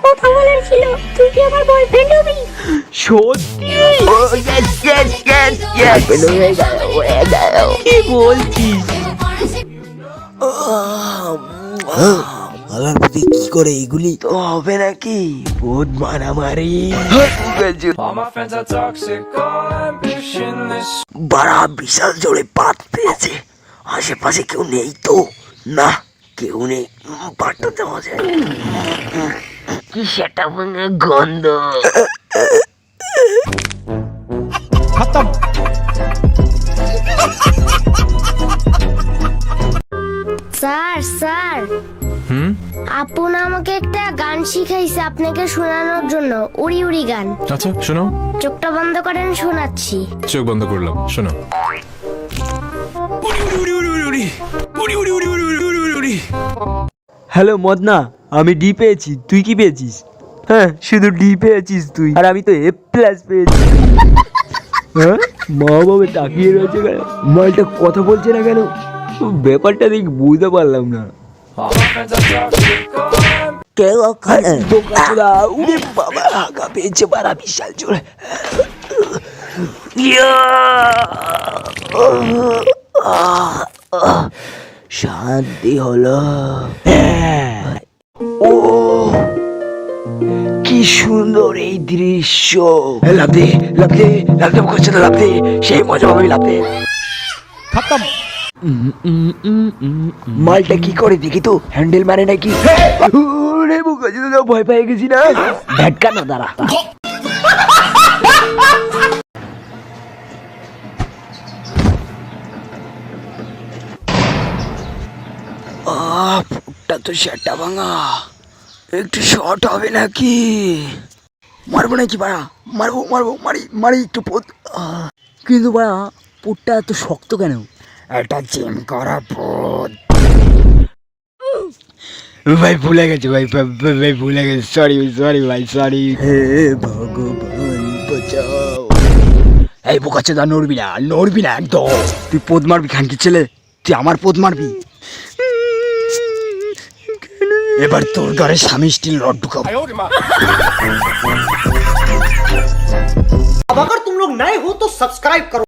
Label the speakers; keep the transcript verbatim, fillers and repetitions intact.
Speaker 1: কথা বলার ছিল, তুই কি আমার বয়ফ্রেন্ড হবি?
Speaker 2: সত্যি?
Speaker 3: Oh yes yes yes yes হয়ে গেল হয়ে গেল।
Speaker 2: কি বলছিস?
Speaker 3: আমার প্রতি কি করে এগুলি তো হবে নাকি? বহুত মারামারি। বাড়া বিশাল জোরে পাত পেয়েছে। আশেপাশে কেউ নেই তো? না কেউ নেই, পাটটা দেওয়া যায়। কি সেটা ভাঙা গন্ধ।
Speaker 1: স্যার স্যার
Speaker 4: হুম
Speaker 1: আপন আমাকে একটা গান শিখাইছে আপনাকে শোনানোর জন্য, উড়ি উড়ি গান।
Speaker 4: আচ্ছা শোনো।
Speaker 1: চোখটা বন্ধ করেন, শোনাচ্ছি।
Speaker 4: চোখ বন্ধ করলাম, শোনো।
Speaker 2: হ্যালো মদনা, আমি ডি পেয়েছি, তুই কি পেয়েছিস? হ্যাঁ শুধু ডি পেয়েছিস তুই, আর আমি তো এ প্লাস পেয়েছি। হ্যাঁ মা বাবা তাকিয়ে রয়েছে কেন? মালটা কথা বলছে না কেন? ব্যাপারটা দেখি বুঝতে পারলাম না।
Speaker 3: কেউ ওখানে বোকাচোদা। উড়ে বাবা আগা পেয়েছে বাড়া বিশাল জোরে। শান্তি হলো। ও কি সুন্দর এই দৃশ্য। লাভ দে লাভ দে লাভ দে বোকাচোদা লাভ দে, সেই মজা পাবি লাভ দে। মালটা কি করে দেখি তো, হ্যান্ডেল মারে নাকি? ওরে বোকাচোদা ভয় পেয়ে গেছি না। ভ্যাটকা না দাঁড়া। আহ ফুটটা তো সেটা ভাঙা, একটু শর্ট হবে নাকি? মারবো নাকি বাড়া? মারবো মারবো মারি মারি একটু পোত।
Speaker 2: কিন্তু বাড়া পুটটা এত শক্ত কেন?
Speaker 3: এটা জিম করা পোত। ভাই ভুলে গেছে ভাই, ভাই- ভাই ভুলে গেছে, সরি সরি ভাই সরি। হে ভগবান বাঁচাও। এই বোকাচোদা নড়বি না, নড়বি না একদম। তুই পোদ মারবি খানকি ছেলে, তুই আমার পোদ মারবি। এবার তোর ঘরে স্বামী স্টিল রড ঢুকাবো।
Speaker 5: अब अगर तुम लोग नए हो तो सब्सक्राइब करो।